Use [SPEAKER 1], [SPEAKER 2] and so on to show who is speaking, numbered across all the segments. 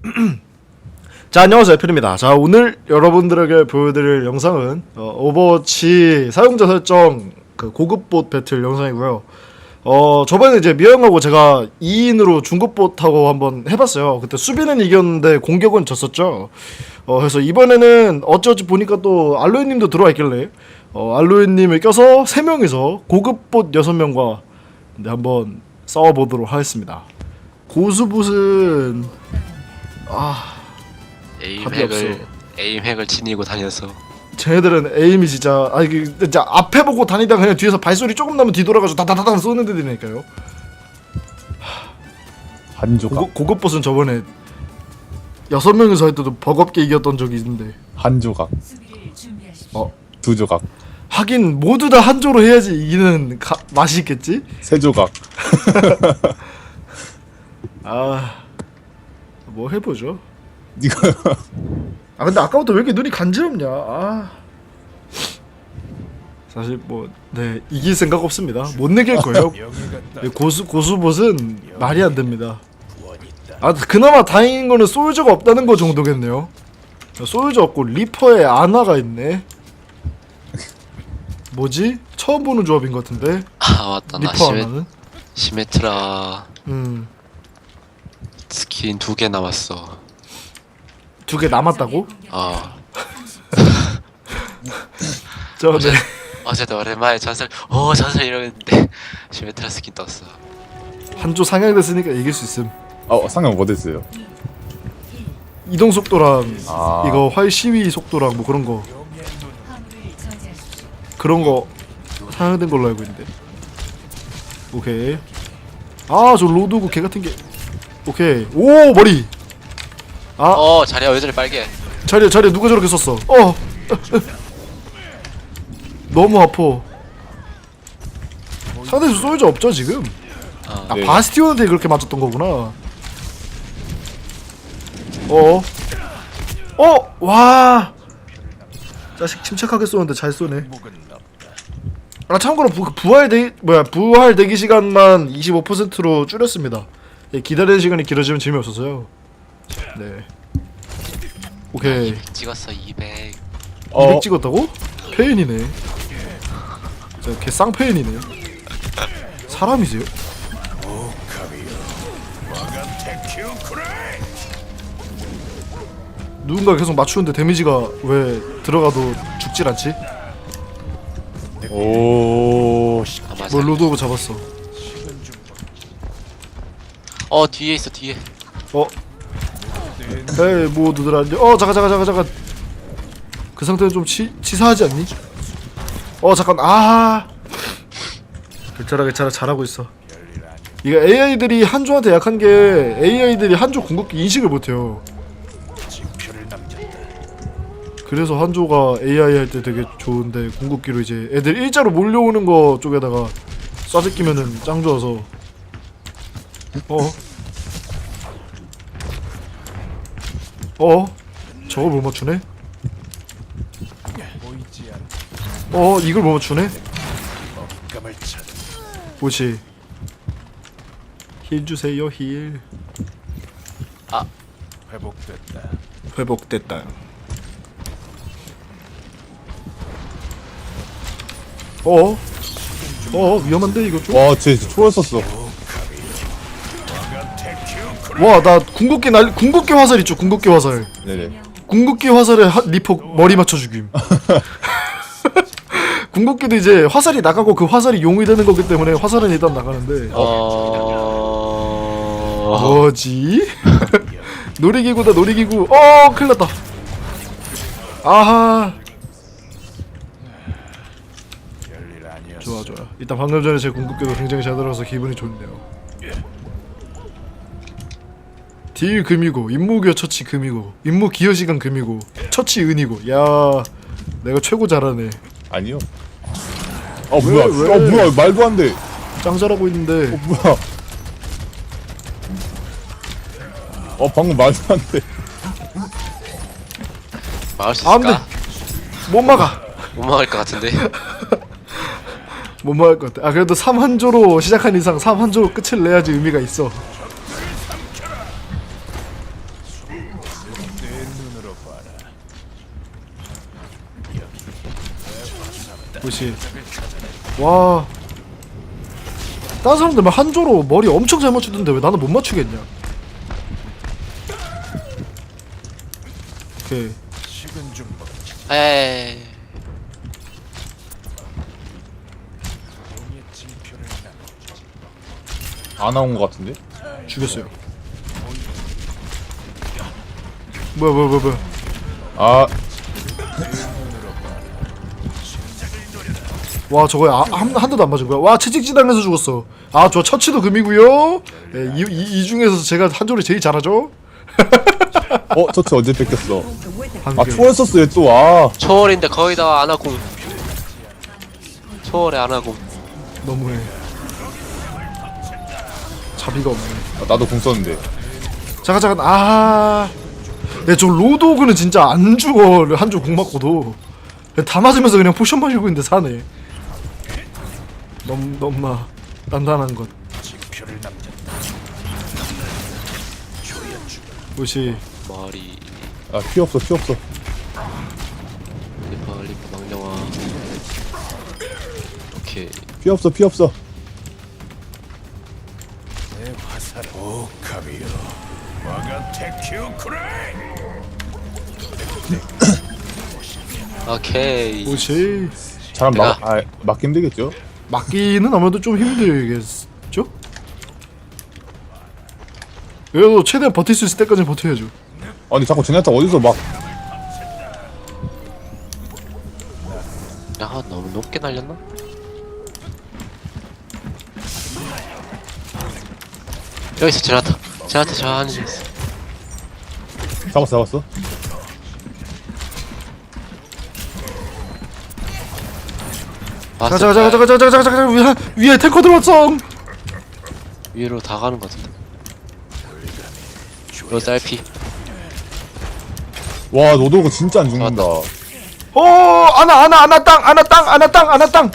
[SPEAKER 1] 자, 안녕하세요, 애플입니다. 자, 오늘 여러분들에게 보여드릴 영상은 오버워치 사용자 설정 그 고급 봇 배틀 영상이고요. 저번에 이제 미영하고 제가 2인으로 중급 봇하고 한번 해봤어요. 그때 수비는 이겼는데 공격은 졌었죠. 그래서 이번에는 어찌어찌 보니까 또 알로에님도 들어와 있길래 알로에님을 껴서 3명이서 고급 봇 6명과 한번 싸워보도록 하겠습니다. 고수봇은
[SPEAKER 2] 에임 핵을 지니고 다녀서
[SPEAKER 1] 쟤네들은 에임이 진짜 진짜 앞에 보고 다니다가 그냥 뒤에서 발소리 조금 나면 뒤돌아가지고 다다다다 쏘는 데들이니까요.
[SPEAKER 3] 한 조각.
[SPEAKER 1] 고급 보스는 저번에 6명이서 할 때도 버겁게 이겼던 적이 있는데
[SPEAKER 3] 한 조각. 두 조각.
[SPEAKER 1] 하긴 모두 다 한조로 해야지 이기는 맛이 있겠지?
[SPEAKER 3] 세 조각.
[SPEAKER 1] 뭐 해보죠.
[SPEAKER 3] 이거
[SPEAKER 1] 근데 아까부터 왜 이렇게 눈이 간지럽냐. 사실 이길 생각 없습니다. 못 이길 거예요. 고수봇은 말이 안 됩니다. 그나마 다행인 거는 솔저가 없다는 거 정도겠네요. 솔저 없고 리퍼에 아나가 있네. 뭐지? 처음 보는 조합인 것 같은데.
[SPEAKER 2] 맞다. 나
[SPEAKER 1] 리퍼 아나는?
[SPEAKER 2] 시메트라 스킨 2개 남았어.
[SPEAKER 1] 2개 남았다고? 네.
[SPEAKER 2] 어제도 오랜만에 전설 이러는데 시메트라 스킨 떴어.
[SPEAKER 1] 한조 상향됐으니까 이길 수 있음.
[SPEAKER 3] 상향 뭐 됐어요?
[SPEAKER 1] 이동 속도랑 이거 활 시위 속도랑 뭐 그런 거 상향된 걸로 알고 있는데. 오케이. 저 로드고 개 같은 게. 오케이. 오, 머리.
[SPEAKER 2] 자리야 왜 저리 빨개?
[SPEAKER 1] 자리야 누가 저렇게 썼어? 너무 아파. 상대 솔저 없죠 지금?
[SPEAKER 3] 네.
[SPEAKER 1] 바스티온한테 그렇게 맞췄던 거구나. 와. 자식 침착하게 쏘는데 잘 쏘네. 참고로 부활 대기 시간만 25%로 줄였습니다. 기다리는 시간이 길어지면 재미없어서요. 네. 오케이.
[SPEAKER 2] 200 찍었어 200.
[SPEAKER 1] 200 찍었다고? 페인이네. 걔 쌍페인이네. 사람이세요? 누군가 계속 맞추는데 데미지가 왜 들어가도 죽질 않지?
[SPEAKER 2] 맞아.
[SPEAKER 1] 로드 오브 잡았어.
[SPEAKER 2] 뒤에 있어 뒤에.
[SPEAKER 1] 에이 모두들 안녕. 잠깐. 그 상태는 좀 치사하지 않니? 잠깐. 괜찮아 잘하고 있어. 이게 AI들이 한조한테 약한 게 AI들이 한조 궁극기 인식을 못해요. 그래서 한조가 AI 할 때 되게 좋은데 궁극기로 이제 애들 일자로 몰려오는 거 쪽에다가 쏴제끼면은 짱 좋아서. 저걸 못 맞추네? 이걸 못 맞추네? 뭐지? 힐 주세요 힐. 회복됐다. 위험한데 이거 좀?
[SPEAKER 3] 쟤 초월 썼어.
[SPEAKER 1] 나 궁극기 화살 있죠? 궁극기 화살.
[SPEAKER 3] 네네.
[SPEAKER 1] 궁극기 화살에 리퍼 머리 맞춰 죽임. 궁극기도 이제 화살이 나가고 그 화살이 용이 되는 거기 때문에 화살은 일단 나가는데. 뭐지? 놀이기구다 놀이기구. 큰일났다. 좋아. 일단 방금 전에 제 궁극기도 굉장히 잘 들어가서 기분이 좋네요. 딜 금이고 임무 기여 처치 금이고 임무 기여 시간 금이고 처치 은이고. 야, 내가 최고 잘하네.
[SPEAKER 3] 아니요. 뭐야 말도 안 돼.
[SPEAKER 1] 짱 잘하고 있는데.
[SPEAKER 3] 뭐야. 방금 말도 안 돼.
[SPEAKER 2] 막을 수 있을까?
[SPEAKER 1] 못 막아.
[SPEAKER 2] 못 막을 것 같은데.
[SPEAKER 1] 못 막을 것 같아. 그래도 3한조로 시작한 이상 3한조로 끝을 내야지 의미가 있어. 그렇지. 와. 다른 사람들 막 한조로 머리 엄청 잘 맞추던데 왜 나는 못 맞추겠냐? 오케이.
[SPEAKER 2] 에이.
[SPEAKER 3] 안 나온 것 같은데?
[SPEAKER 1] 죽였어요. 뭐야.
[SPEAKER 3] 아,
[SPEAKER 1] 와 저거 한 대도 안 맞은 거야. 와 채찍질 당해서 죽었어. 아 저 처치도 금이고요. 네, 이 중에서 제가 한조를 제일 잘하죠.
[SPEAKER 3] 저치 언제 뺏겼어?
[SPEAKER 1] 한
[SPEAKER 3] 아,
[SPEAKER 1] 개.
[SPEAKER 3] 초월했었어, 얘 또, 아.
[SPEAKER 2] 초월인데 거의 다 아나궁. 초월에 아나궁.
[SPEAKER 1] 너무해. 자비가 없네.
[SPEAKER 3] 나도 궁 썼는데.
[SPEAKER 1] 잠깐 아. 야 저 로드오그는 진짜 안 죽어. 한조 공 맞고도 다 맞으면서 그냥 포션 마시고 있는데 사네. 너무나 단단한 것. 뭐시.
[SPEAKER 2] 머리.
[SPEAKER 3] 아, 피 없어.
[SPEAKER 2] 리퍼 망령아. 오케이.
[SPEAKER 3] 피 없어.
[SPEAKER 2] 오케이.
[SPEAKER 1] 뭐시.
[SPEAKER 3] 잘하면
[SPEAKER 2] 내가-
[SPEAKER 3] 맞기 힘들겠죠?
[SPEAKER 1] 막기는 아무래도 좀 힘들겠죠? 그래도 최대한 버틸 수 있을 때까지는 버텨야죠.
[SPEAKER 3] 아니, 자꾸 제네타 어디서 막,
[SPEAKER 2] 야 너무 높게 날렸나? 여기서 제나타 저 안에 있어.
[SPEAKER 3] 잡았어.
[SPEAKER 2] 왔어.
[SPEAKER 1] 자자자자자자자자자 위에 탱커 들어왔어.
[SPEAKER 2] 위로 다 가는 것 같은데. 요 쌀피.
[SPEAKER 3] 와, 노도가 진짜 안 죽는다.
[SPEAKER 1] 아나 땅.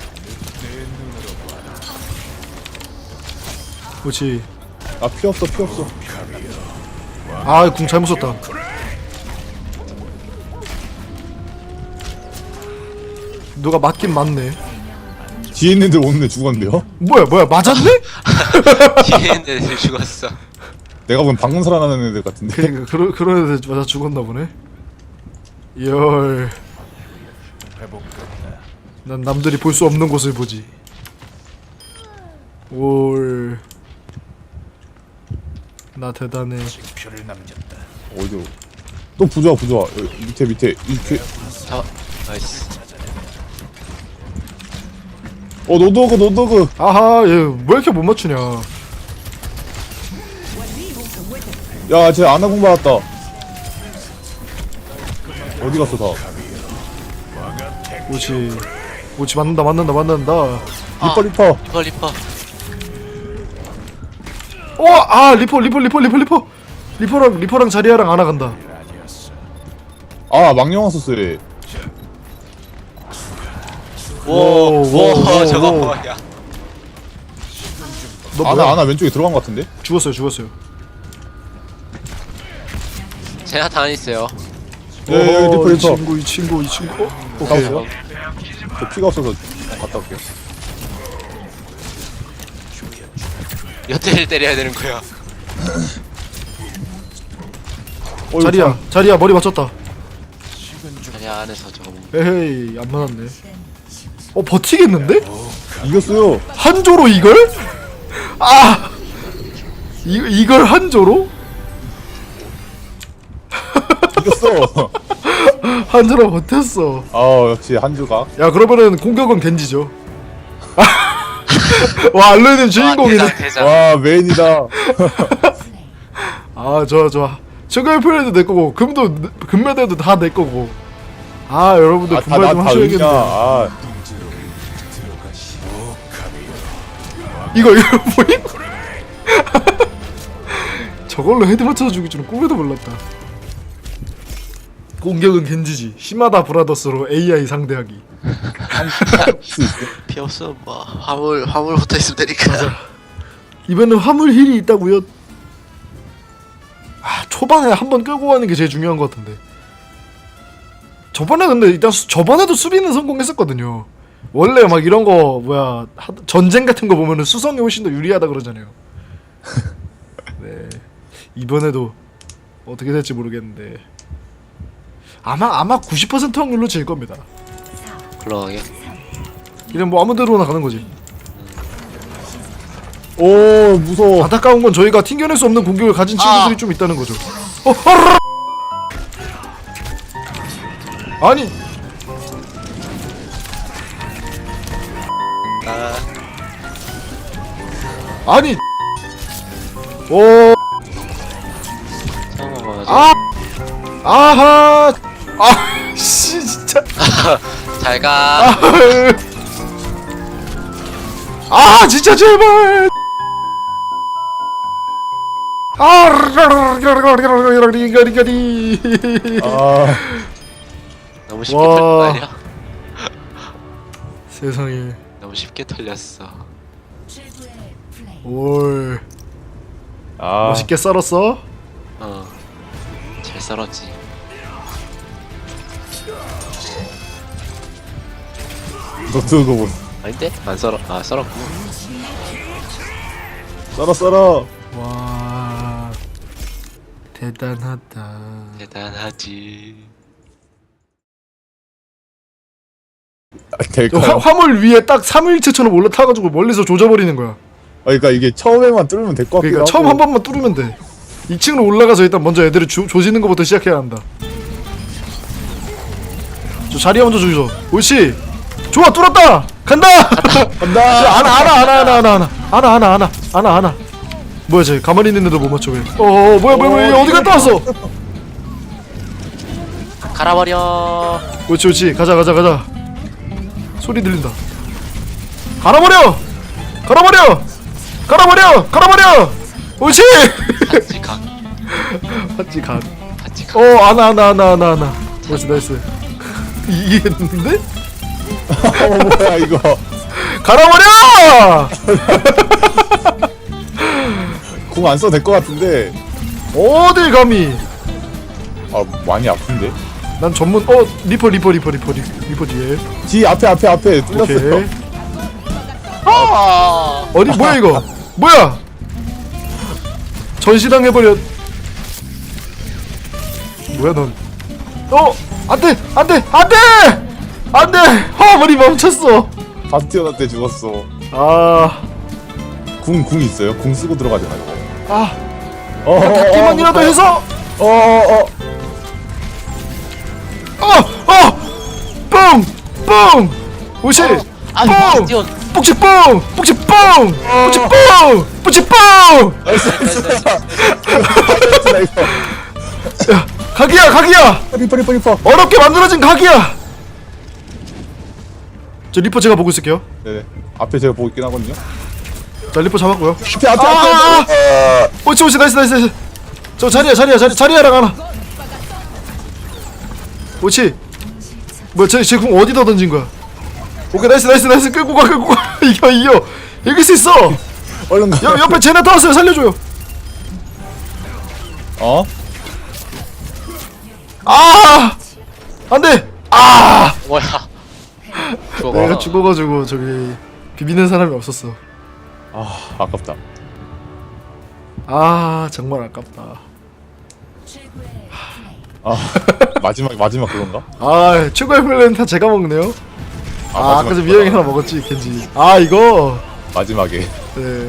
[SPEAKER 1] 그렇지.
[SPEAKER 3] 아, 피 없어.
[SPEAKER 1] 아, 궁 잘못 썼다. 누가 맞긴 맞네.
[SPEAKER 3] 뒤에 있는 애들 오는데 죽었는데요?
[SPEAKER 1] 뭐야 맞았네?
[SPEAKER 2] 뒤에 있는 애들 죽었어.
[SPEAKER 3] 내가 보면 방금 살아나는 애들 같은데.
[SPEAKER 1] 그러니까 그런 애들 맞아 죽었나 보네. 열. 난 남들이 볼 수 없는 곳을 보지. 올. 나 대단해.
[SPEAKER 3] 어디로? 또 부조화. 여기 밑에 이렇게.
[SPEAKER 2] 나이스.
[SPEAKER 3] 노도그.
[SPEAKER 1] 아하, 얘 왜 이렇게 못 맞추냐?
[SPEAKER 3] 야, 쟤 아나공 받았다. 어디 갔어, 다?
[SPEAKER 1] 오치 맞는다.
[SPEAKER 3] 리퍼.
[SPEAKER 2] 리퍼.
[SPEAKER 1] 리퍼랑 자리아랑 안아 간다.
[SPEAKER 3] 아, 망령아 썼어, 얘.
[SPEAKER 2] 오,
[SPEAKER 1] 오,
[SPEAKER 2] 저거
[SPEAKER 1] 오.
[SPEAKER 2] 뭐야?
[SPEAKER 1] 너 뭐야?
[SPEAKER 3] 아나 왼쪽에 들어간 것 같은데?
[SPEAKER 1] 죽었어요.
[SPEAKER 2] 제나타 안 있어요.
[SPEAKER 3] 예, 리퍼.
[SPEAKER 1] 이 친구. 오케이.
[SPEAKER 3] 잡았어요? 저 피가 없어서 갔다 올게요.
[SPEAKER 2] 여태를 때려야 되는 거야.
[SPEAKER 1] 자리야 머리 맞췄다.
[SPEAKER 2] 자리 안에서 저거.
[SPEAKER 1] 에헤이 안 맞았네. 버티겠는데?
[SPEAKER 3] 이겼어요.
[SPEAKER 1] 한조로 이걸? 이걸 한조로?
[SPEAKER 3] 이겼어.
[SPEAKER 1] 한조로 버텼어.
[SPEAKER 3] 역시 한주가.
[SPEAKER 1] 야 그러면은 공격은 겐지죠. 와 알로이님 주인공이네.
[SPEAKER 2] 대장.
[SPEAKER 3] 와, 메인이다.
[SPEAKER 1] 좋아. 최고의 플레이도 내 거고 금메달도 다 내 거고. 여러분들 분발 좀 하셔야겠네. 이거 뭐임? 저걸로 헤드 맞춰서 죽일 줄은 꿈에도 몰랐다. 공격은 겐지지. 시마다 브라더스로 AI 상대하기.
[SPEAKER 2] 피 없어. 뭐 화물 붙어 있으면 되니까.
[SPEAKER 1] 이번엔 화물 힐이 있다고요? 초반에 한번 끌고 가는 게 제일 중요한 것 같은데. 저번에 근데 일단 저번에도 수비는 성공했었거든요. 원래 막 이런 거 뭐야 전쟁 같은 거 보면은 수성이 훨씬 더 유리하다 그러잖아요. 네 이번에도 어떻게 될지 모르겠는데 아마 90% 확률로 질 겁니다.
[SPEAKER 2] 굴러가게.
[SPEAKER 1] 그냥 뭐 아무데로나 가는 거지.
[SPEAKER 3] 오 무서워.
[SPEAKER 1] 안타까운 건 저희가 튕겨낼 수 없는 공격을 가진 친구들이 좀 있다는 거죠. 아니 아니 오
[SPEAKER 2] 처음 먹어가지고.
[SPEAKER 1] 아하 씨 진짜
[SPEAKER 2] 잘 가.
[SPEAKER 1] 진짜 제발 리가리가리
[SPEAKER 3] 아
[SPEAKER 2] 너무 쉽게
[SPEAKER 1] 와.
[SPEAKER 2] 털린 거 아니야?
[SPEAKER 1] 세상에
[SPEAKER 2] 너무 쉽게 털렸어.
[SPEAKER 1] 올
[SPEAKER 3] 아.
[SPEAKER 1] 멋있게 썰었어?
[SPEAKER 2] 잘 썰었지.
[SPEAKER 3] 너트고 뭐.
[SPEAKER 2] 아닌데? 안 썰어. 아 썰었고.
[SPEAKER 3] 썰어.
[SPEAKER 1] 와 대단하다.
[SPEAKER 2] 대단하지.
[SPEAKER 3] 될까요?
[SPEAKER 1] 화물 위에 딱 3일체처럼 올라타가지고 멀리서 조져버리는 거야.
[SPEAKER 3] 그러니까 이게 처음에만 뚫으면 될 것 같기도
[SPEAKER 1] 그러니까
[SPEAKER 3] 하고.
[SPEAKER 1] 처음 한 번만 뚫으면 돼. 2층으로 올라가서 일단 먼저 애들을 조지는 것부터 시작해야 한다. 저 자리에 먼저 조져. 옳지. 좋아 뚫었다. 간다.
[SPEAKER 3] 간다.
[SPEAKER 1] 안아. 뭐야 쟤 가만히 있는 애도 못 맞춰 왜? 뭐야 어디 갔다 왔어?
[SPEAKER 2] 갈아버려.
[SPEAKER 1] 옳지 가자. 소리 들린다. 갈아버려. 옳지.
[SPEAKER 2] 같이 가.
[SPEAKER 1] 맞지 간.
[SPEAKER 2] 같이 가.
[SPEAKER 1] 안아. 옳지 나이스. 이기겠는데?
[SPEAKER 3] 뭐야 이거.
[SPEAKER 1] 갈아버려.
[SPEAKER 3] 공 안 써도 될 것 같은데.
[SPEAKER 1] 어딜 감히?
[SPEAKER 3] 아 많이 아픈데.
[SPEAKER 1] 난 전문 리퍼 뒤에.
[SPEAKER 3] 뒤 앞에 뚫렸어요.
[SPEAKER 1] 오케이.
[SPEAKER 2] 아!
[SPEAKER 1] 어디 뭐야 이거? 뭐야? 전시당 해버려. 뭐야 넌? 안돼. 화물이 멈췄어.
[SPEAKER 3] 바스티오나 때 죽었어. 궁 있어요? 궁 쓰고 들어가지 말고.
[SPEAKER 1] 닫기만이라도 해서. 뻥. 오시.
[SPEAKER 2] 아니 바스티온.
[SPEAKER 1] 뿡.
[SPEAKER 3] 나 이거.
[SPEAKER 1] 야, 각이야.
[SPEAKER 3] 리퍼.
[SPEAKER 1] 어렵게 만들어진 각이야. 저 리퍼 제가 보고 있을게요.
[SPEAKER 3] 네네. 앞에 제가 보고 있긴 하거든요.
[SPEAKER 1] 자 리퍼 잡았고요.
[SPEAKER 3] 앞에.
[SPEAKER 1] 오치 나이스. 저 자리야랑 하나. 오치. 뭐야 쟤궁 어디다 던진 거야? 오케이 나이스 끌고 가. 이겨. 이길 수 있어.
[SPEAKER 3] 얼른 가.
[SPEAKER 1] 옆에 제네터 왔어요. 살려줘요. 안돼.
[SPEAKER 2] 뭐야?
[SPEAKER 1] 내가 죽어가지고 저기 비비는 사람이 없었어.
[SPEAKER 3] 아깝다.
[SPEAKER 1] 정말 아깝다.
[SPEAKER 3] 마지막 그건가?
[SPEAKER 1] 최고의 플레이는 다 제가 먹네요. 아까 전 미영이 하나 먹었지 겐지. 이거
[SPEAKER 3] 마지막에.
[SPEAKER 1] 네.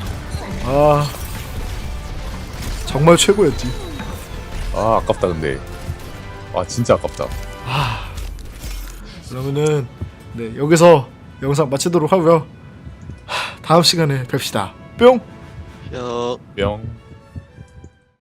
[SPEAKER 1] 정말 최고였지.
[SPEAKER 3] 아깝다 근데. 진짜 아깝다.
[SPEAKER 1] 그러면은 네 여기서 영상 마치도록 하고요. 다음 시간에 뵙시다. 뿅.
[SPEAKER 2] 여.
[SPEAKER 3] 뿅.